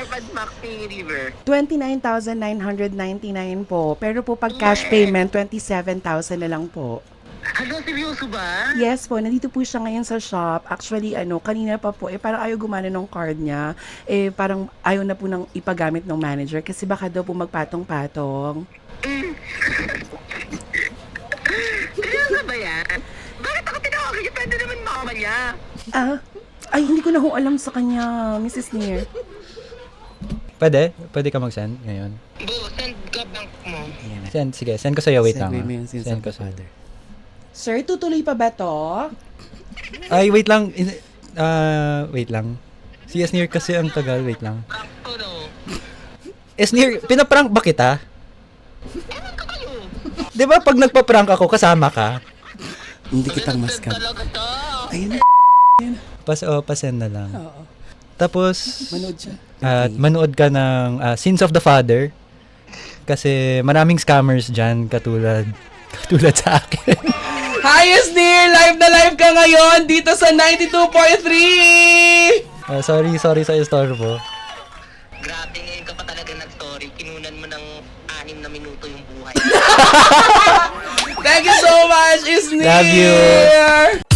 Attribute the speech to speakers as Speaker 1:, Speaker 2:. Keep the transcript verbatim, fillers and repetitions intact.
Speaker 1: Pad Maxi River?
Speaker 2: twenty-nine thousand nine hundred ninety-nine po. Pero po pag cash payment, twenty-seven thousand na lang po.
Speaker 1: Ano, seryoso ba?
Speaker 2: Yes po, nandito po siya ngayon sa shop. Actually, ano, kanina pa po, eh, parang ayaw gumana ng card niya. Eh, parang ayaw na po nang ipagamit ng manager kasi baka daw po magpatong-patong.
Speaker 1: Mm. Seryoso ba yan? Bakit ako tinawagan niya? Pwede naman mamaya.
Speaker 2: Ah, ay, hindi ko na ho alam sa kanya, Missus Near.
Speaker 3: Pwede? Pwede ka mag-send ngayon?
Speaker 1: Bo, send ka bank mo.
Speaker 3: Send, sige. Send ko sa'yo. Wait lang.
Speaker 2: Segue
Speaker 3: ah.
Speaker 2: mo yun, since
Speaker 3: Send
Speaker 2: of
Speaker 3: ko
Speaker 2: the
Speaker 3: sa'yo.
Speaker 2: father. Sir, tutuloy pa ba to?
Speaker 3: Ay, wait lang. In- ah, wait lang. Si Esnir kasi ang tagal. Wait lang.
Speaker 1: Ako no.
Speaker 3: Esnir, pinaprank ba kita?
Speaker 1: Ewan ko kayo.
Speaker 3: Di ba pag nagpa-prank ako, kasama ka?
Speaker 2: Hindi kitang maskam.
Speaker 1: Talaga to.
Speaker 2: Ayun na.
Speaker 3: Pas, oh, pasend na lang.
Speaker 2: Oo.
Speaker 3: Tapos,
Speaker 2: Manood siya.
Speaker 3: at manood ka ng ah, Sins of the Father. Kasi maraming scammers dyan, katulad, katulad sa akin.
Speaker 2: Hi, Esnir! Live na live ka ngayon dito sa ninety-two point three!
Speaker 3: Ah, sorry, sorry sa istorbo.
Speaker 1: Grabe, ngayon ka pa talaga nag-story. Kinunan mo ng anim na minuto yung buhay.
Speaker 2: Thank you so much, Esnir!
Speaker 3: Love you.